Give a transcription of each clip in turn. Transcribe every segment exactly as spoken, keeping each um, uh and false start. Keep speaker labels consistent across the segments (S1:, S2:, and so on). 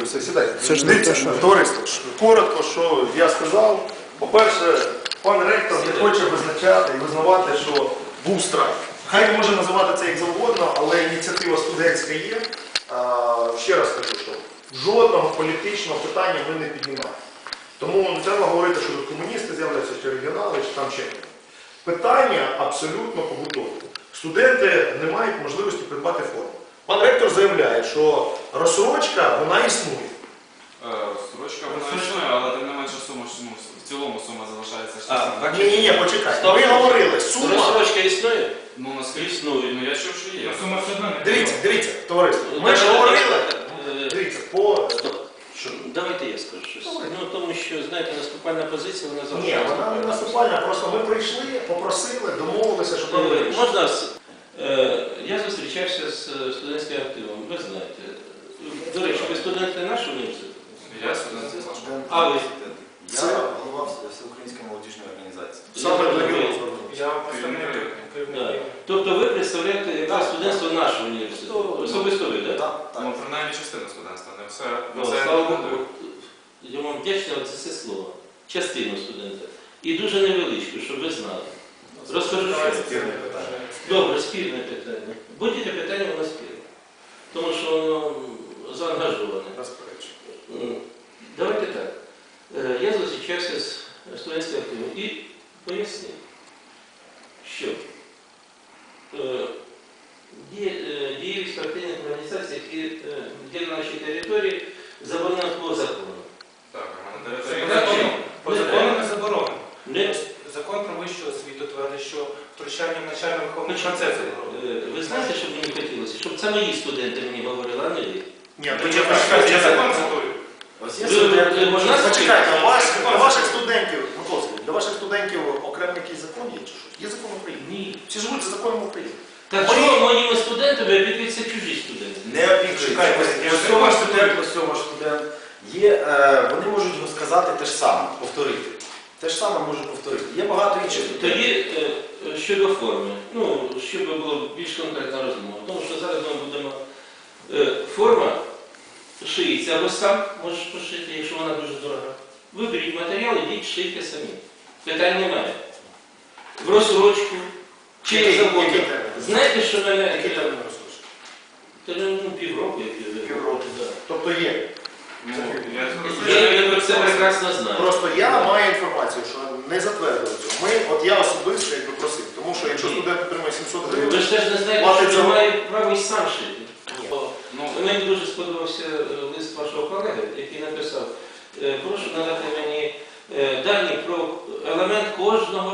S1: все, сідайте.
S2: Це ж не те, що...
S1: Товариство, коротко, що я сказав. По-перше, пан ректор не хоче визначати і визнавати, що був страйк. Хай може називати це як завгодно, але ініціатива студентська є. А, ще раз кажу, що жодного політичного питання ми не піднімаємо. Тому не треба говорити, що тут комуністи з'являються, чи регіонали, чи там ще. Питання абсолютно побутові. Студенти не мають можливості придбати форму. Пан ректор заявляє, що розсрочка, вона існує.
S3: Розсрочка вона існує, але тим не менше сума, ну, в цілому сума залишається.
S1: Ні-ні-ні, почекайте. Ми говорили, сума...
S4: Розсрочка існує?
S3: Ну, наскільки існує, ну я чув, що є.
S5: Сума все одно не
S1: Дивіться, дивіться, товариство. Ми ж говорили, дивіться, по...
S4: Що? Давайте я скажу щось. Ну, тому що, знаєте, наступальна позиція, вона завжди...
S1: Ні, вона не наступальна, просто ми прийшли, попросили, домовилися, що
S4: Е,
S1: проблеми.
S4: Можна, е, я зустрічався з студентським активом, ви знаєте. До речі, ви студенти нашого університету?
S3: Я студент вашого.
S4: А ви?
S6: Я голова Всеукраїнської молодіжної організації.
S1: Саме для нього
S5: Я
S1: звернувся.
S5: представник
S4: Да.
S5: керівників.
S4: Тобто ви представляєте якраз студентство нашого університету? Особисто ви, так?
S6: Так,
S3: Ну,
S6: так.
S3: принаймні частина студентства, не все.
S4: Ну,
S3: не все
S4: слава
S3: не
S4: Богу,
S3: буде.
S4: я вам вдячний за це слово. Частину студента. І дуже невеличку, щоб ви знали. Розкажу, що.
S1: Спірне питання.
S4: Добре, спірне питання. Будь-яке питання воно спірне. Тому що воно заангажоване.
S1: Розперечую.
S4: Давайте так. Е, Я зустрічався з студентським активом і пояснив, що е, діє- е, дієвість партійних організацій, які е, є на нашій території, заборонена по закону.
S3: Так, а на
S5: По
S3: території...
S5: закону- По закону не заборонено.
S4: Не-
S5: Закон про вищу освіту твердить, що втручання в навчально-виховний
S4: Значить,
S5: процес заборонено.
S4: е, Ви знаєте, що мені хотілося? Щоб це мої студенти мені говорили, а не ви.
S1: Ні,
S5: Почекайте,
S1: почекайте,
S5: я закон цитую.
S6: Ось є
S4: Ви-
S6: студенти.
S4: ви- ви- ви-
S1: Почекайте, у вас, для ваших студентів, Миколаївський, для ваших студентів окремий якийсь закон є чи що? Є закон України.
S4: Ні.
S1: Всі живуть за законом України.
S4: Так
S1: Мої-
S4: чого моїми студентами опікуються чужі студенти?
S6: Не опікуються.
S5: Чекайте, я
S6: Ось
S5: ж
S6: цього
S5: ваш
S6: студент, ось цього студент. Є, е, вони можуть сказати те ж саме, повторити. Те ж саме можуть повторити. Є багато інших студентів.
S4: Тоді е, щодо форми, ну, щоб було більш конкретна розмова, тому що зараз ми будемо е, форма шиється, або сам можеш пошити, якщо вона дуже дорога. Виберіть матеріал, ідіть, шийте самі. Питань немає. В розсрочку чи
S1: Який-
S4: заводу.
S1: який термін?
S4: Знаєте, що мене...
S1: Який термін розслужить?
S4: Та, ну, півроку, як я
S1: Півроку.
S4: да.
S1: Тобто є.
S3: Ну,
S4: Я,
S3: я
S4: я про це прекрасно знаю.
S1: Просто я маю інформацію, що не затвердили цього. Ми, от я особисто якби просив, тому що якщо студент отримує сімсот
S4: Ви
S1: гривень,
S4: ж теж не знаєте,
S1: Платить
S4: що
S1: за-
S4: він має право і сам шити.
S1: Ні.
S3: Ну,
S4: Мені дуже сподобався е, лист вашого колеги, який написав, е, прошу надати мені е, дані про елемент кожного,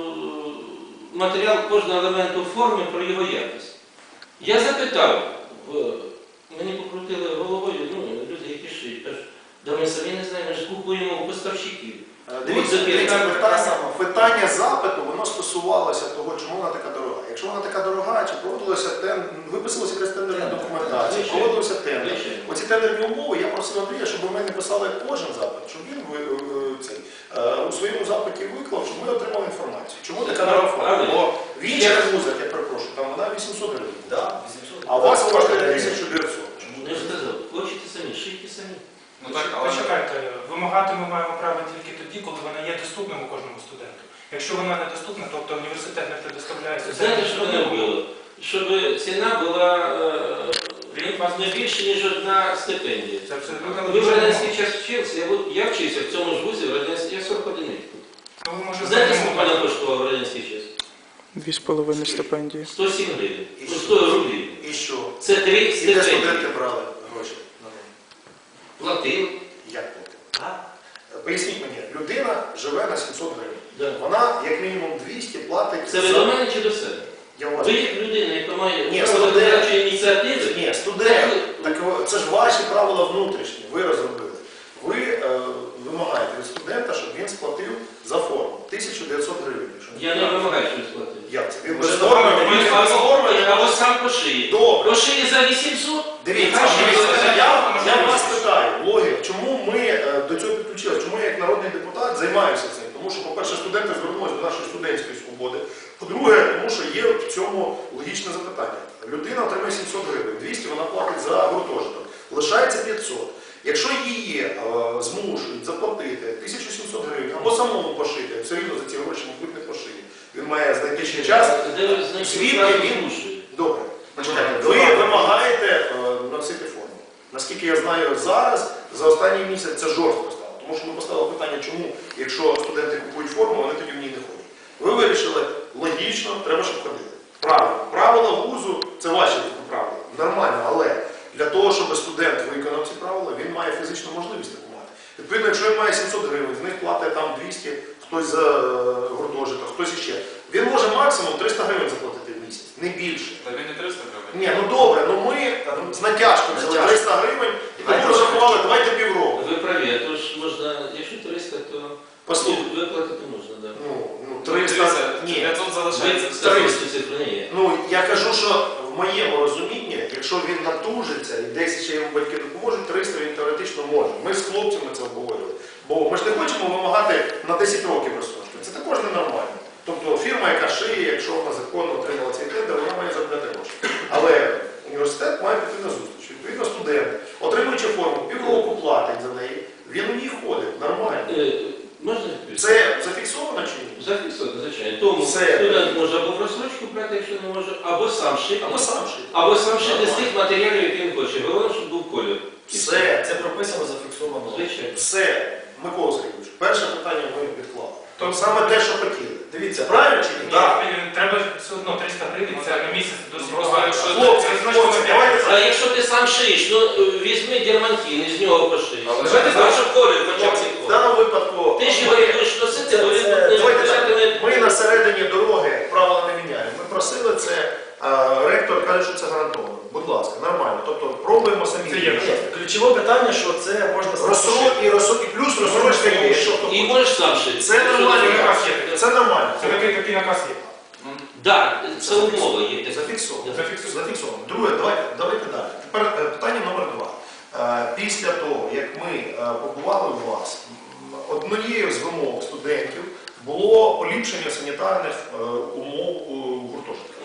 S4: е, матеріал кожного елементу форми, про його якість. Я запитав, в- мені покрутили головою, ну, люди, які шиють, кажуть, да ми самі не знаємо, ми ж купуємо у поставщиків.
S1: Дивіться,
S4: От
S1: дивіться,
S4: запитання-
S1: питання, питання запиту, воно стосувалося того, чому вона така дорога. Якщо вона така дорога, чи проводилося тендер, виписувалася якась тендерна документація,
S4: Звичайно.
S1: проводився тендер.
S4: Звичайно.
S1: Оці тендерні умови я просив Андрія, щоб ми не писали кожен запит, щоб він ви- е, цей, е, у своєму запиті виклав, щоб ми отримали інформацію. Чому така дорога форма?
S4: Але-
S1: Бо в інших вузах, я перепрошую, там вона вісімсот гривень.
S6: Да, вісімсот.
S1: А у вас коштує тисячу дев'ятсот.
S4: Я ж сказав, хочете самі, шийте самі.
S3: ну так, але...
S5: Почекайте, вимагати ми маємо право тільки тоді, коли вона є доступним у кожному студенту. Якщо вона не доступна, тобто університет не предоставляє
S4: Знаєте, що мене вбило? Щоб ціна була е, не більше, ніж одна стипендія.
S5: Це абсолютно
S4: Ви в
S5: логічно.
S4: радянський час вчився, я, бу- я вчився в цьому ж вузі, в радянській, я сорок один рік.
S5: Ну, ви, може,
S4: Знаєте,
S5: знаєте,
S4: скільки мене коштував в радянський час?
S2: Дві з половиною стипендії.
S4: сто сім гривень.
S1: І
S4: Ну,
S1: що?
S4: сто рублів.
S1: І що?
S4: Це три
S1: І де
S4: стипендії.
S1: студенти брали гроші на неї?
S4: Платив.
S1: Як платили?
S4: А?
S1: Поясніть мені, людина живе на сімсот гривень.
S4: Да.
S1: Вона як мінімум двісті платить
S4: Це ви
S1: за...
S4: до мене чи до себе?
S1: Я у вас...
S4: Ви як людина, яка має
S1: Ні,
S4: право
S1: студент.
S4: виконавчої ініціативи,
S1: Ні, студент. Так о, це ж ваші правила внутрішні, ви розробили. Ви е, вимагаєте від студента, щоб він сплатив за форму тисячу дев'ятсот гривень. якщо
S4: я не вимагаю щось платити.
S1: Як це? Він
S4: Може,
S1: без форми,
S4: Він
S1: він
S4: або
S1: без форми.
S4: або сам пошиє.
S1: Добре.
S4: Пошиє за вісімсот.
S1: Дивіться,
S4: Нехай живе.
S1: дивіться, я, я вас питаю, логік, чому ми е, до цього підключилися, чому я як народний депутат займаюся цим? Тому що, по-перше, студенти звернулися до нашої студентської свободи. По-друге, тому що є в цьому логічне запитання. Людина отримує сімсот гривень, двісті вона платить за гуртожиток, лишається п'ятсот. Якщо її е, змушують заплатити тисячу сімсот гривень або самому пошити, все рівно за ці гроші, мабуть, не пошиє. Він має знайти ще час.
S4: Де ви знаєте,
S1: Звідки
S4: правду
S1: він?
S4: змушує?
S1: Добре. Ви вимагаєте е, носити форму. Наскільки я знаю зараз, за останній місяць це жорстко стало. Тому що ми поставили питання, чому, якщо студенти купують форму, вони тоді в ній не ходять. Ви вирішили, логічно, треба, щоб ходили. Правильно. Правила вузу – це ваші правила. Нормально, але для того, щоб студент виконав ці правила, він має фізичну можливість таку мати. Відповідно, якщо він має сімсот гривень, з них платить там двісті, хтось за гуртожиток, хтось іще. Він може максимум триста гривень заплатити в місяць, не більше.
S3: Та він не триста гривень.
S1: Ні, ну добре, ну ми з натяжкою взяли триста гривень і тому розрахували, давайте півроку.
S4: Ви праві, а то ж можна, якщо триста, то
S1: Послухай.
S4: виплатити можна, так.
S1: Ну, ну
S3: Ну,
S1: триста,
S3: дивіться,
S1: ні.
S3: п'ятсот залишається.
S4: триста цифри не є.
S1: Ну, я кажу, що в моєму розумінні, якщо він натужиться і десь ще йому батьки допоможуть, триста він теоретично може. Ми з хлопцями це обговорювали. Бо ми ж не хочемо вимагати на десять років розсрочки. Це також ненормально. Тобто фірма, яка шиє, якщо вона законно отримала цей тендер, вона має заробляти гроші. Але університет має піти на зустріч. Відповідно, студент, отримуючи форму, півроку платить за неї, він у ній ходить, нормально.
S4: Е, Можна відповісти?
S1: Це зафіксовано чи ні?
S4: Зафіксовано, звичайно. Тому
S1: Все.
S4: студент може або в розсрочку брати, якщо не може, або сам шити,
S1: Або сам шити.
S4: або сам шити з тих матеріалів, які він хоче. Головне, щоб був колір. І
S1: Все.
S6: Це прописано, зафіксовано.
S4: Звичайно.
S1: Все, Микола Сергійович, перше питання ми відклали. Тобто саме те, що хотіли.
S6: Дивіться,
S1: Правильно чи ні?
S5: Ні,
S1: Так.
S5: треба все одно триста гривень, це на місяць досить
S3: Просто
S5: багато.
S3: якщо-
S1: Хлопці,
S5: Це значно
S1: хлопці,
S5: не
S1: давайте
S4: А якщо ти сам шиєш, ну візьми дермантин і з нього пошиєш.
S3: Але
S4: Давайте
S3: ж-
S4: так, щоб колір хоча б
S1: в
S4: цей колір.
S1: даному випадку
S4: Ти ж його не будеш носити, бо він
S1: Це-
S4: не
S1: давайте
S4: початиме.
S1: ми на середині дороги правила не міняємо. Ми просили це, а, ректор каже, що це гарантовано. Будь ласка, нормально. Тобто пробуємо самі.
S5: Це є.
S6: Ні, ключове питання, що це можна
S1: Розсрок і розсрок, і плюс розсрочка є. Якщо хто
S4: І
S1: хоче.
S4: можеш сам шити.
S1: Це нормально.
S5: Це наказ є.
S1: Це нормально.
S5: Це такий, такий наказ є.
S3: Ну,
S4: Так, це умова є.
S1: Зафіксовано.
S5: Зафіксовано.
S1: Зафіксовано. Друге, давайте, давайте далі. Тепер е, питання номер два. Е, Після того, як ми е, побували у вас, м, однією з вимог студентів було поліпшення санітарних е, умов у гуртожитках.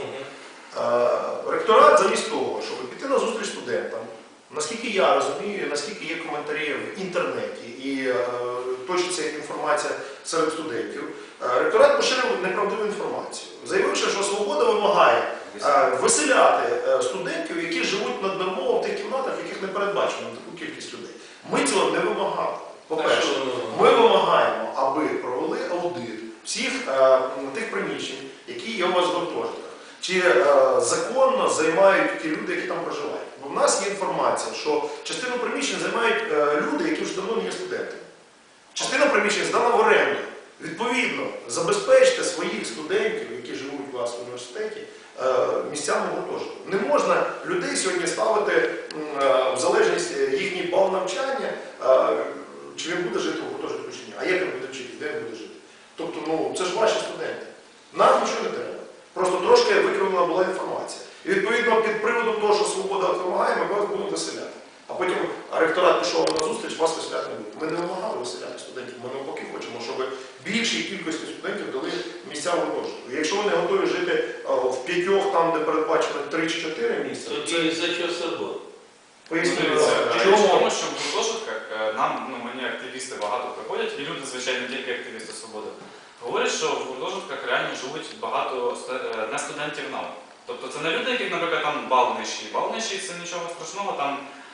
S1: Е, Ректорат замість того, щоб піти на зустріч студентам, наскільки я розумію, наскільки є коментарі в інтернеті і е, точиться інформація серед студентів, е, ректорат поширив неправдиву інформацію, заявивши, що свобода вимагає е, виселяти е, студентів, які живуть наднормово в тих кімнатах, в яких не передбачено таку кількість людей. Ми цього не вимагали. По-перше, ми вимагаємо, аби провели аудит всіх е, тих приміщень, які є у вас в гуртожитках. Чи е, законно займають ті люди, які там проживають. Бо в нас є інформація, що частину приміщень займають е, люди, які вже давно не є студентами. Частина приміщень здана в оренду. Відповідно, забезпечте своїх студентів, які живуть у вас в університеті, е, місцями гуртожитку. Не можна людей сьогодні ставити м, е, в залежність їхній бал навчання, е, чи він буде жити в гуртожитку чи ні. А як він буде вчити, де він буде жити? Тобто, ну, це ж ваші студенти. Нам нічого не треба. Просто трошки викривлена була інформація. І відповідно під приводом того, що свобода вимагає, ми вас будемо виселяти. А потім ректорат пішов на зустріч, вас виселяти не буде. Ми не вимагали виселяти студентів, ми навпаки хочемо, щоб більшій кількості студентів дали місця в гуртожитку. Якщо ви не готові жити а, в п'ятьох, там, де передбачено три чи чотири місця, то це
S4: Тоді за що собою?
S1: пояснює.
S3: Дивіться,
S1: в
S3: річ в
S1: чому.
S3: тому, що в гуртожитках е, нам, ну мені активісти багато приходять, і люди, звичайно, не тільки активісти свободи, говорять, що в гуртожитках реально живуть багато ст- е, не студентів НАУ. Тобто це не люди, яких, наприклад, там бал нижчий. Бал нижчий – це нічого страшного, там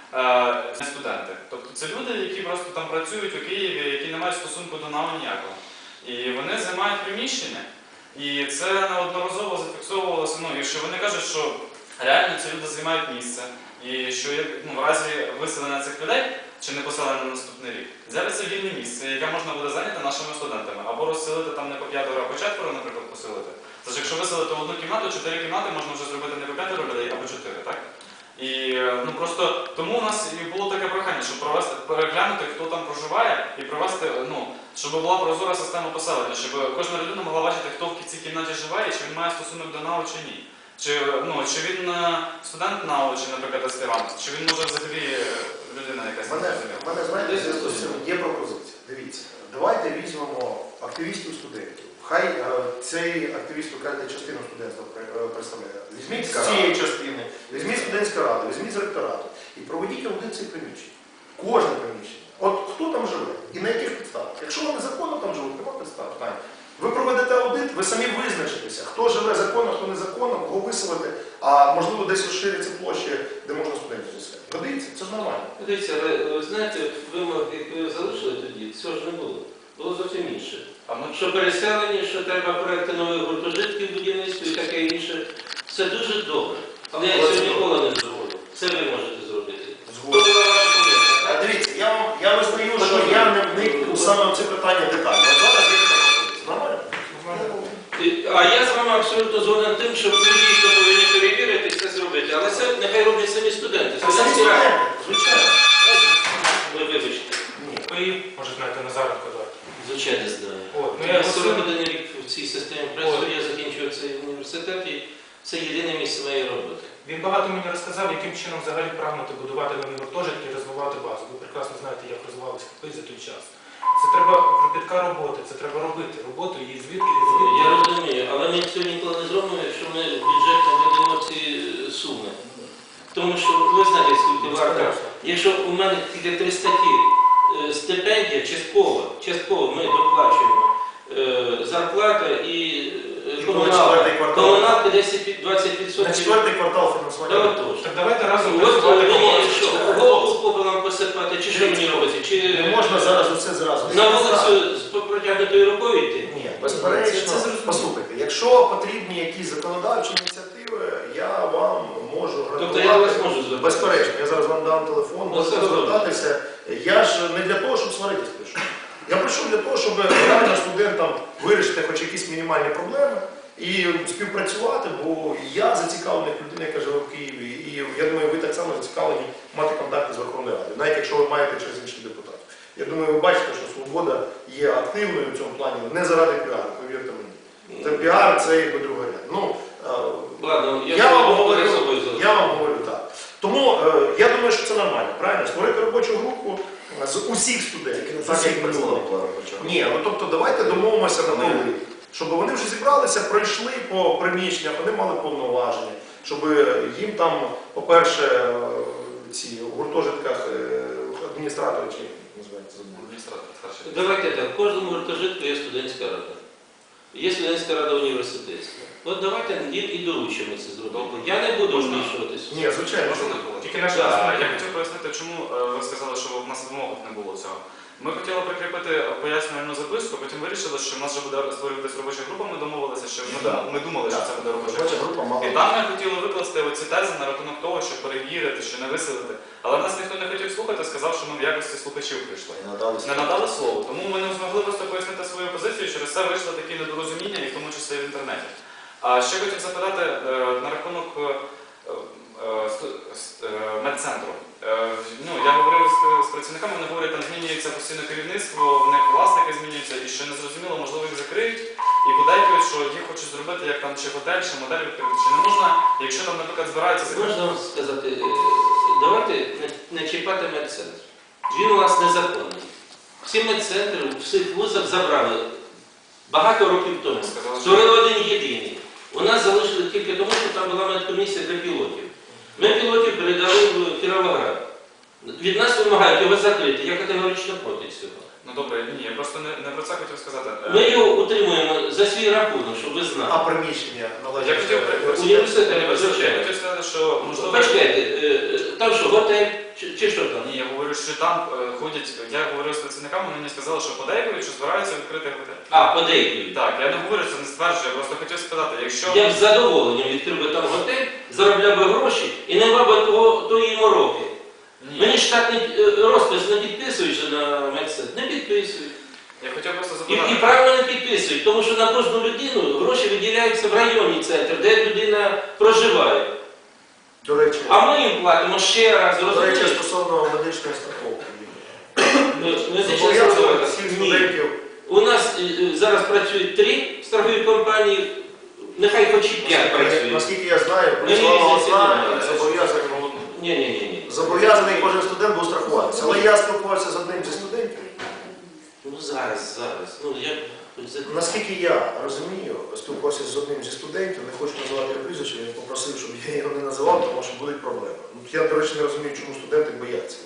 S3: е, не студенти. Тобто це люди, які просто там працюють у Києві, які не мають стосунку до НАУ ніякого. І вони займають приміщення, і це неодноразово зафіксовувалося, ну, і що вони кажуть, що реально ці люди займають місце, і що ну, в разі виселення цих людей, чи не поселення на наступний рік, з'явиться вільне місце, яке можна буде зайняти нашими студентами, або розселити там не по п'ятеро, а по четверо, наприклад, поселити. Тож якщо виселити в одну кімнату, чотири кімнати можна вже зробити не по п'ятеро людей, а по чотири, так? І ну просто тому у нас і було таке прохання, щоб провести, переглянути, хто там проживає, і провести, ну, щоб була прозора система поселення, щоб кожна людина могла бачити, хто в цій кімнаті живе, і чи він має стосунок до НАУ чи ні. Чи, ну, чи він е, студент НАУ, чи, наприклад, аспірант, чи він може взагалі е, людина якась
S1: У мене,
S3: незрозуміла.
S1: в мене, знаєте, зв'язку з цим є пропозиція. Дивіться, давайте візьмемо активістів студентів. Хай е, цей активіст, ви кажете, частину студентства пре- е, представляє. Візьміть з цієї частини, візьміть студентська рада, візьміть з ректорату і проведіть аудит цих приміщень. Кожне приміщення. От хто там живе і на яких підставах? Якщо вони законно там живуть, нема підстав. Питання. Ви проведете аудит, ви самі визначитеся, хто живе законно, хто незаконно, кого виселити, а можливо десь розширяться площі, де можна студентів заселити. Годиться, це ж нормально.
S4: Дивіться, але ви знаєте, вимог, які ви залишили тоді, цього ж не було. Було зовсім інше.
S3: А ми
S4: Що переселені, що треба проекти нових гуртожитків, будівництва і таке інше. Це дуже добре. Але я
S1: Але
S4: цього
S1: це
S4: ніколи не зроблю. Це ви можете зробити.
S1: Згоден.
S4: То була ваша помилка,
S1: А
S4: так?
S1: дивіться, я, вам- я визнаю, що я не вник у саме в це питання детально. От зараз є така можливість. Нормально?
S4: І- А я з вами абсолютно згоден тим, що ви дійсно повинні перевірити це зробити. Але це нехай роблять самі студенти.
S1: А самі
S4: Студентські ради.
S1: студенти, звичайно.
S4: Ви вибачте.
S1: Ні.
S5: Ви, може, знаєте Назаренко, так?
S4: Звичайно, знаю.
S5: От, ну
S4: Я
S5: я
S4: сорок
S5: сьогодні-
S4: один рік в цій системі працюю, я закінчив цей університет і це єдине місце моєї роботи.
S5: Він багато мені розказав, яким чином взагалі прагнути будувати нові гуртожитки і розвивати базу. Ви прекрасно знаєте, як розвивалися КПІ за той час. Це треба кропітка роботи, це треба робити роботу і звідки і звідки.
S4: Я розумію, але ми цього ніколи не зробимо, якщо ми в бюджет не ведемо ці суми. Тому що ви знаєте, скільки варто. Якщо у мене тільки три статті, е, стипендія частково, частково ми доплачуємо е, зарплата і е,
S1: І
S4: комуналка.
S1: четвертий квартал.
S4: Комуналка десять-двадцять
S1: На
S4: відсотків.
S1: четвертий квартал
S4: Та
S1: фінансування.
S4: отож.
S5: Так давайте разом
S4: От
S5: працювати по
S4: мені
S5: базі.
S4: що, голову попелом посипати, чи що мені робити? Чи
S1: Не можна зараз усе зразу.
S4: на вулицю з протягнутою рукою йти?
S1: Ні, безперечно.
S5: Це- це зрозуміло.
S1: Послухайте, якщо потрібні якісь законодавчі ініціативи, я вам можу
S4: Тобто я до вас
S1: гарантувати.
S4: можу звертатися?
S1: Безперечно, я зараз вам дам телефон,
S4: Ну,
S1: можете
S4: це добре.
S1: звертатися. Я ж не для того, щоб сваритись прийшов. Я прийшов для того, щоб реально студентам вирішити хоч якісь мінімальні проблеми і співпрацювати, бо я зацікавлений як людина, яка живе в Києві, і я думаю, ви так само зацікавлені мати контакти з Верховною Радою, навіть якщо ви маєте через інших депутатів. Я думаю, ви бачите, що свобода є активною в цьому плані не заради піару, повірте мені. Це піар, це якби другоряд. Ну, е,
S4: Ладно, я,
S1: я вам
S4: собі
S1: говорю,
S4: перед собою залишу.
S1: я вам говорю так. Тому е, я думаю, що це нормально, правильно? Створити робочу групу з усіх студентів. Так, як представників. Ні, ну тобто давайте домовимося на тому, щоб вони вже зібралися, пройшли по приміщеннях, вони мали повноваження, щоб їм там, по-перше, е, ці у гуртожитках е, адміністратори, чи як називається, забув.
S3: адміністратор старший.
S4: Давайте так, в кожному гуртожитку є студентська рада. Є студентська рада університетська. От давайте їм і доручимо це зробити. Я не буду
S3: Можна?
S4: вмішуватися.
S1: Ні, звичайно, що
S3: Можна не було?
S5: Тільки наші
S3: Так,
S5: представники.
S3: я хотів пояснити, чому е, ви сказали, що в нас в вимогах не було цього. Ми хотіли прикріпити пояснювальну записку, потім вирішили, що в нас вже буде створюватись робоча група, ми домовилися, що ми,
S1: Да.
S3: дум- ми думали, що це буде робоча
S1: робоча
S3: група.
S1: група мала.
S3: І там ми хотіли викласти оці тези на рахунок того, щоб перевірити, що не виселити. Але нас ніхто не хотів слухати, сказав, що ми в якості слухачів прийшли. Не надали слово. Тому ми не змогли просто пояснити свою позицію, через це вийшли такі недорозуміння, і в тому числі в інтернеті. А ще хотів запитати е, на рахунок е, е, сту- с- е, медцентру. Е, ну, я говорив з, з працівниками, вони говорять, там змінюється постійно керівництво, в них власники змінюються, і що незрозуміло, можливо, їх закриють, і подейкують, що їх хочуть зробити як там чи готель, чи модель відкрити, чи не можна, якщо там, наприклад, збираються закрити.
S4: Можна вам сказати, е, давайте не, не чіпати медцентр. Він у нас незаконний. Всі медцентри в всіх вузах забрали багато років тому.
S3: Сказали, що-
S4: Створили один єдиний. У нас залишили тільки тому, що там була медкомісія для пілотів. Ми пілотів передали в Кіровоград. Від нас вимагають його закрити. Я категорично проти цього.
S3: Ну добре, ні, я просто не, не про це хотів сказати. Е,
S4: Ми його утримуємо за свій рахунок, щоб ви знали.
S1: А приміщення
S3: Я
S1: належать.
S3: хотів,
S4: Університет,
S3: я
S4: звичайно.
S3: хотів сказати, що можливо.
S4: Почекайте, е, там що, готель чи, чи що там?
S3: Ні, я говорю, що там е, ходять, я говорив з працівниками, вони мені сказали, що подейкують, що збираються відкрити готель.
S4: А, подейкують.
S3: Так, я не говорю, це не стверджую, я просто хотів спитати, якщо...
S4: Я б з задоволенням відкрив би там готель, заробляв би гроші і не мав би того, тої мороки.
S3: Ні,
S4: Мені штатний е, розпис не підписують же на медцентр, не підписують.
S3: я хотів просто
S4: І,
S3: запитати.
S4: і правильно не підписують, тому що на кожну людину гроші виділяються в районний центр, де людина проживає.
S1: До речі,
S4: А ми їм платимо ще раз,
S1: до речі,
S4: розумієте?
S1: стосовно медичної страховки.
S4: Медична
S1: Зобов'язувати
S4: страховка.
S1: всіх
S4: Ні.
S1: студентів.
S4: У нас е, е, зараз працюють три страхові компанії, нехай хоч і п'ять працюють.
S1: Наскільки я знаю,
S4: Ми
S1: працювала
S4: різниці
S1: одна
S4: немає.
S1: і зобов'язаний.
S4: Ні, ні, ні, ні.
S1: Зобов'язаний кожен студент був страхуватися. Але я спілкувався з одним зі студентів.
S4: Ну зараз, зараз. Ну я за-
S1: Наскільки я розумію, спілкувався з одним зі студентів, не хочу називати його прізвище, він попросив, щоб я його не називав, тому що будуть проблеми. Ну, я, до речі, не розумію, чому студенти бояться, власне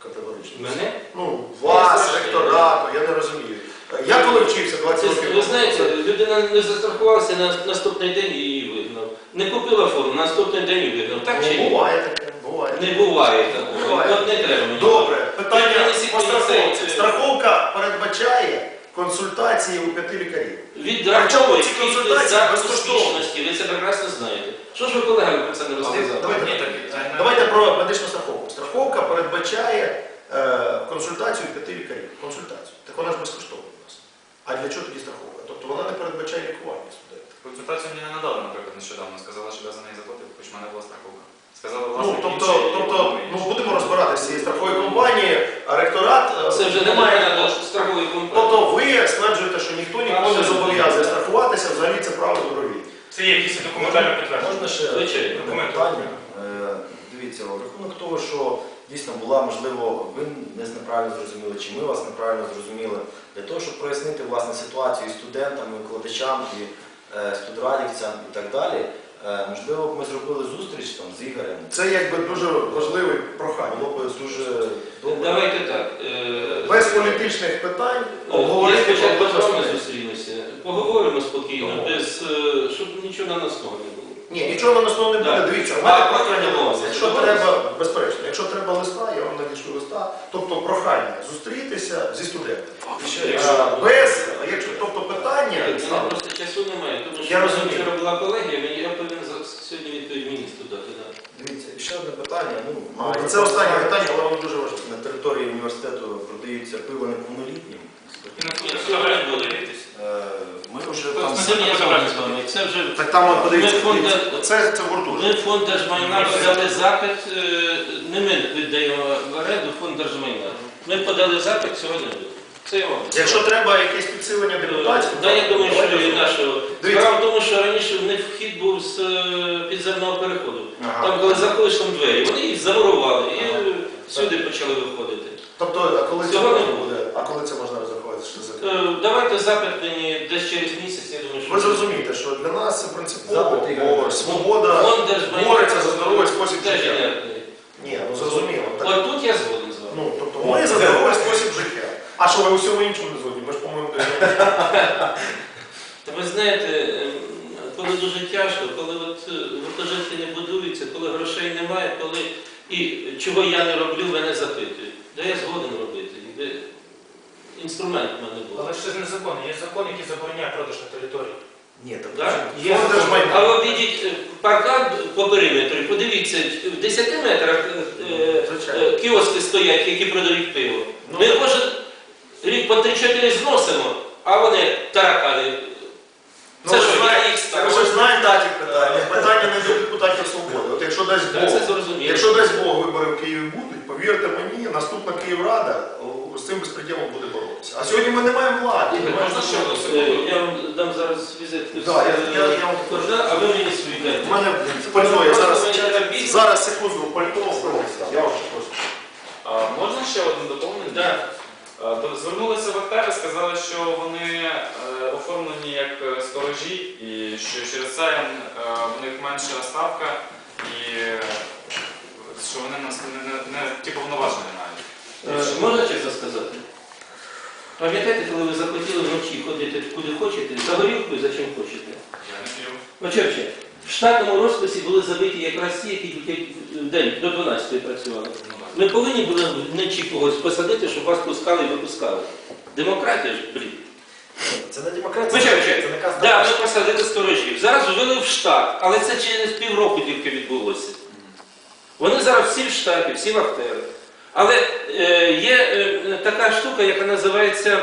S1: Категорично.
S4: Мене?
S1: Ну, вас,
S4: Я
S1: ректорату, я не розумію. Я коли вчився двадцять
S4: Це,
S1: років.
S4: ви знаєте, людина не застрахувалася на наступний день і її вигнав. Не купила форму, на наступний день і вигнав. Так чи
S1: Ну,
S4: ні?
S1: буває таке, буває.
S4: Не буває такого.
S1: Буває.
S4: От не треба мені.
S1: Добре, питання
S4: Принесіть
S1: по
S4: мені
S1: страховці.
S4: цей-
S1: Страховка передбачає консультації у п'яти лікарів.
S4: Відраховує
S1: ці
S4: кількість
S1: консультації
S4: за
S1: безкоштовні.
S4: успішності, ви це прекрасно знаєте. Що ж ви колегами про це не розказали?
S1: Давайте,
S3: Ні, так, це не-
S1: давайте про медичну страховку. Страховка передбачає е, консультацію п'яти лікарів. Консультацію. Так вона ж безкоштовна у нас. А для чого тоді страховка? Тобто вона не передбачає лікування студентів.
S3: Консультацію мені не надали, наприклад, нещодавно. Сказала, що я за неї заплатив, хоч в мене була страховка. Сказала,
S1: Ну,
S3: власне,
S1: тобто, тобто ну, будемо розбиратися з цією страховою компанією, а ректорат е,
S4: Це вже не
S1: має.
S4: має страхової компанії.
S1: Тобто ви стверджуєте, що ніхто нікого не зобов'язує страхуватися, взагалі це право добровільне.
S5: Це є якісь документально підтвердження.
S6: Можна ще
S4: Звичайно.
S6: одне
S5: Документи.
S6: питання? Е, Дивіться, в рахунок того, що дійсно була, можливо, ви нас неправильно зрозуміли, чи ми вас неправильно зрозуміли, для того, щоб прояснити власне ситуацію і студентам, і викладачам, і е, студрадівцям і так далі, е, можливо, б ми зробили зустріч там з Ігорем.
S1: Це якби дуже важливе прохання.
S6: Було б дуже добре.
S4: Давайте так. е,
S1: Без політичних питань
S4: Я
S1: обговорити
S4: спочатку з
S1: проблеми
S4: вами
S1: студентів.
S4: зустрінуся. Поговоримо спокійно,
S1: Добре.
S4: без, е, щоб нічого наносного не було.
S1: Ні, нічого на нас не буде.
S4: Так.
S1: Дивіться, в
S4: А,
S1: мене
S4: про
S1: прохання до вас.
S4: домовленість.
S1: Якщо треба, безперечно, якщо треба листа, я вам надішлю листа. Тобто прохання зустрітися зі студентами.
S6: Ще,
S1: Е,
S6: якщо-
S1: Без, якщо, тобто питання,
S4: У мене просто часу немає, тому що
S1: Я
S4: в мене
S1: розумію.
S4: вчора була колегія, мені я повинен за- сьогодні відповідь міністру дати. Да.
S6: Дивіться, і ще одне питання. Ну,
S1: а, це останнє питання, але воно дуже важливе.
S6: На території університету продаються пиво неповнолітнім.
S5: І на
S4: Я
S5: цьому
S4: сьогодні
S5: фотографії
S4: буду.
S5: подивитися.
S6: Е, Ми вже
S5: Тобто
S6: там
S5: ми
S4: Це я згоден з вами. Це вже
S1: Так там от подивіться,
S4: Ми фонд-
S1: дивіться. це, це гуртожиток.
S4: ми фонд держмайна подали запит, е, не ми віддаємо в оренду, фонд держмайна. Ми подали запит, сьогодні буде. Це я вам.
S1: Якщо треба якесь підсилення депутатів,
S4: Да, я думаю, що
S1: давайте
S4: і нашого.
S1: Дивіться.
S4: Справа в тому, що раніше в них вхід був з е, підземного переходу.
S1: Ага.
S4: Там, коли заходиш там двері, вони їх замурували і
S1: Ага.
S4: е, сюди почали виходити.
S1: Тобто, а коли це
S4: Цього
S1: можна
S4: не
S1: буде? А коли це можна розрахувати? Що це?
S4: Е, Давайте запит мені десь через місяць, я думаю, що...
S1: Ви зрозумієте, що для нас це принципово,
S6: Запит, Ігор.
S1: бо свобода
S4: Фонд держмайна
S1: бореться за здоровий спосіб
S4: теж
S1: життя.
S4: інертний.
S1: Ні, ну зрозуміло. Так,
S4: От тут я згоден з вами.
S1: ну, тобто ми за здоровий спосіб життя. А що ви у всьому іншому не згодні? Ми ж, по-моєму, доєднані.
S4: Та ви знаєте, е, коли дуже тяжко, коли от е, гуртожитки не будуються, коли грошей немає, коли і чого я не роблю, мене запитують. Да я згоден робити. Де інструмент в мене був.
S5: Але ж це ж не закон, є закон, який забороняє продаж на території.
S1: Ні, так
S4: Так?
S1: є
S5: Фонд
S1: держмайна.
S4: А ви обійдіть е, паркан по периметру, подивіться, в десяти метрах е, е,
S1: Звичайно.
S4: кіоски стоять, які продають пиво.
S1: Ну,
S4: Ми кожен рік по три-чотири зносимо, а вони таракани.
S1: Ну,
S4: Це
S1: ви
S4: що,
S1: ж
S4: я
S1: знаєте,
S4: їх
S1: ви
S4: ставлю?
S1: ж знаєте такі питання. Питання не до депутатів свободи. От якщо дасть
S4: Так, це
S1: Бог,
S4: зрозуміло.
S1: якщо дасть Бог вибори в Києві будуть, повірте мені, наступна Київрада о, з цим безпреділом буде боротися. А сьогодні ми не маємо влади.
S3: Ігор, можна ще одну
S4: Е,
S3: секунду?
S4: Я вам дам зараз візитку.
S1: Да, я- я- я вам
S4: координат, а ви мені свої
S1: У
S4: дайте.
S1: мене пальто, я зараз,
S4: Просто мені треба більше.
S1: зараз секунду, пальто. Я вам ще просто.
S3: А, можна ще одне доповнення?
S4: Да.
S3: А, то Звернулися в АТР і сказали, що вони е, оформлені як е, сторожі, і що через це е, в них менша ставка, і е, що вони нас не, не, не ті повноваження мають.
S4: Е, Можна чесно сказати? Пам'ятаєте, коли ви захотіли вночі ходити куди хочете, за горілкою за чим хочете?
S3: Я не п'ю.
S4: Очевидно, в штатному розписі були забиті якраз ті, які тільки в день до дванадцятої працювали.
S3: Ну, так.
S4: Ми повинні були вночі когось посадити, щоб вас пускали і випускали. Демократія ж, блін.
S6: Це не демократія,
S4: Вибачайте,
S6: це не казка.
S4: да, ми посадили сторожів. Зараз ввели в штат, але це через півроку тільки відбулося. Вони зараз всі в штаті, всі в актери. Але е, є е, така штука, яка називається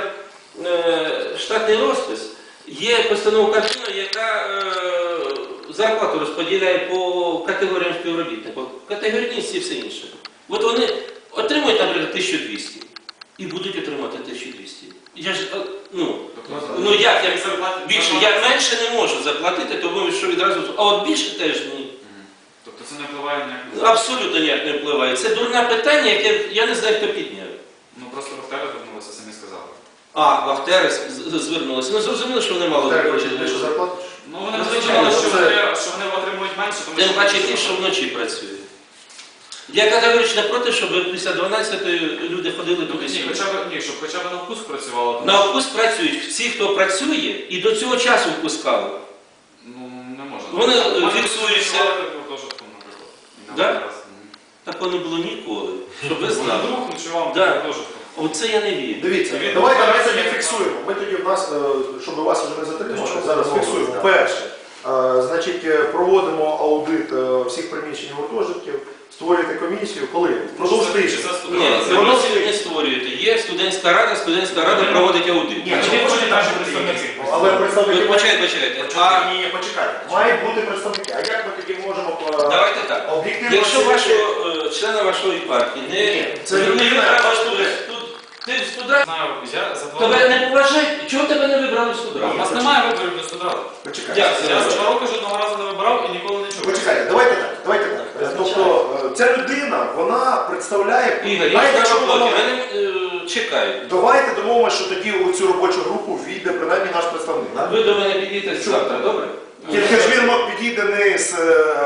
S4: е, штатний розпис. Є постанова Кабміну, яка е, зарплату розподіляє по категоріям співробітників. Категорійність і все інше. От вони отримують, наприклад, тисячу двісті і будуть отримати тисячу двісті. Я ж, е, ну, ну як, як
S3: зарплати-
S4: більше? Я менше не можу заплатити, тому що відразу. А от більше теж ні.
S3: Тобто це не впливає ніяк на
S4: Абсолютно ніяк не впливає. Це дурне питання, яке я не знаю, хто підняв.
S3: Ну просто в АТР звернулися, самі сказали.
S4: А, вахтери з- з- звернулися. Ну зрозуміло, що вони мало
S1: Так,
S4: хочуть.
S1: більше зарплату?
S3: Ну вони
S4: Ну,
S3: сказали,
S4: звичайно,
S3: що
S1: це-
S3: вони, що вони отримують менше, тому
S4: Тим
S3: що
S4: паче ті, що вночі працюють. Я категорично проти, щоб після дванадцятої люди ходили туди
S3: Ні,
S4: сюди.
S3: хоча б, ні, щоб хоча б на вкус працювало. тому
S4: На
S3: що,
S4: вкус працюють всі, хто працює, і до цього часу впускали.
S3: Ну, не можна.
S4: Вони
S3: Можна
S4: фіксуються.
S3: працювати в гуртожитку, наприклад. І на
S4: Да?
S3: раз. Мгм.
S4: Такого не було ніколи, щоб ви
S3: Вони
S4: знали.
S3: друг ночував
S4: Да.
S3: в гуртожитку.
S4: Оце я не вірю.
S1: Дивіться,
S3: Він
S1: давайте ми
S3: рухається,
S1: тоді
S3: як
S1: фіксуємо. Ми тоді в нас, е, щоб вас вже не затримувати,
S6: Тобто,
S1: зараз
S6: що
S1: фіксуємо.
S6: так.
S1: Перше, е, значить, е, проводимо аудит е, всіх приміщень гуртожитків, створюєте комісію. Коли? Впродовж
S3: Чи
S1: тижня.
S3: це
S4: Ні,
S3: студенти?
S1: це воно-
S4: комісію не створюєте. Є студентська рада, студентська рада проводить аудит.
S1: Ні,
S5: А
S1: ну,
S5: чи
S1: можете
S5: будуть
S1: там
S5: наші
S1: бути
S5: представники?
S1: якісь, Але представники...
S4: Ви почекайте, почекайте. А
S1: А, ні, ні, почекайте. Мають бути представники. А як ми тоді можемо е,
S4: давайте так.
S1: об'єктивно...
S4: Якщо
S1: оцінити?
S4: вашого е, члена вашої партії не
S1: Ні, це
S4: не
S1: людина,
S4: вибрала
S1: яка
S4: студент, тут ти в студраді,
S3: Знаю, я за два
S4: тебе
S3: роки.
S4: не поважають, чого тебе не вибрали в
S3: У
S4: студраді?
S3: нас немає виборів до суду.
S1: Почекайте.
S4: Як це?
S3: Я за два роки жодного разу не вибирав і ніколи не чув.
S1: Почекайте, давайте так, давайте так. Е, Тобто е, ця людина, вона представляє...
S4: Ігор, я
S1: Знаєте,
S4: на
S1: чому
S4: роботі,
S1: вона-
S4: мене е, чекають.
S1: Давайте домовимося, що тоді у цю робочу групу війде принаймні наш представник. да?
S4: Ви до мене підійдете завтра, добре?
S1: Тільки ж він мог підійде не з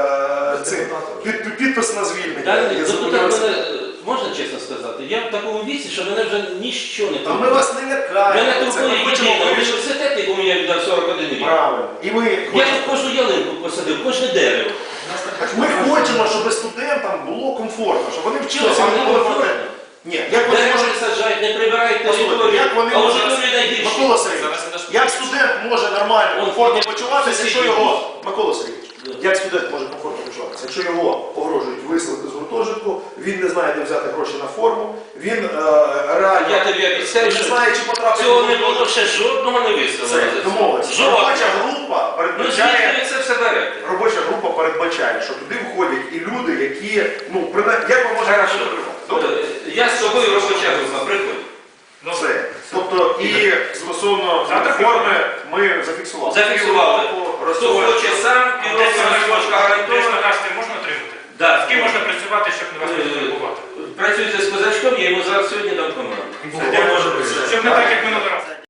S1: е, цим під, під- підпис на звільнення.
S4: Далі,
S1: Я
S4: ну,
S1: забув
S4: тут так
S1: його-
S4: мене, е, можна чесно сказати, я в такому віці, що мене вже ніщо не
S1: Та ми
S4: турбує.
S1: вас не лякаємо.
S4: Мене
S1: Це
S4: турбує
S1: ми хочемо
S4: єдине,
S1: вирішити
S4: університет, якому я віддав сорок один рік.
S1: правильно. І ми
S4: Я
S1: хочемо,
S4: тут кожну ялинку посадив, кожне дерево.
S1: ми хочемо, щоб студентам було комфортно, щоб вони вчилися,
S4: Що,
S1: вони
S4: вам
S1: були
S4: не
S1: проте.
S4: комфортно?
S1: Ні, як вони
S4: Дерева
S1: можуть...
S4: не саджають, не прибирають
S1: Послухайте,
S4: територію,
S1: як вони
S4: а
S1: можуть...
S4: аудиторії найгірші.
S1: Микола Сергійович,
S3: Зараз я теж
S1: як студент може нормально,
S4: Он
S1: комфортно
S4: ходить
S1: почуватися,
S4: в
S1: якщо
S4: сусідній
S1: його...
S4: бус.
S1: Микола Сергійович,
S4: Да.
S1: як студент може комфортно почуватися? Якщо його погрожують виселити з гуртожитку, він не знає, де взяти гроші на форму, він е, реально
S4: Я тобі обіцяю,
S1: не
S4: що
S1: знає, чи потрапить
S4: цього
S1: в
S4: не було
S1: гуртожиток.
S4: ще жодного не
S1: Це
S4: виставлено.
S1: домовилися.
S4: Жодного.
S1: Робоча група
S4: Ну
S1: передбачає...
S4: звідки ви це все берете?
S1: Робоча група передбачає, що туди входять і люди, які, ну, принаймні, як ви можете
S4: Хорошо.
S1: отримати? Добре?
S4: Е, Я з тобою робоча група, приходь.
S1: Все. Тобто і стосовно
S5: Завтра
S1: форми ми зафіксували.
S4: Зафіксували.
S1: Півроку
S4: Хто
S1: розсувати.
S4: хоче сам, півроку розмочка гарантована.
S5: Десь можна отримати?
S4: Да.
S5: З ким можна працювати, щоб не вас не
S4: Е,
S5: турбувати?
S4: Працюйте з козачком, я йому зараз сьогодні дам команду.
S5: Щоб не так, як минулий раз.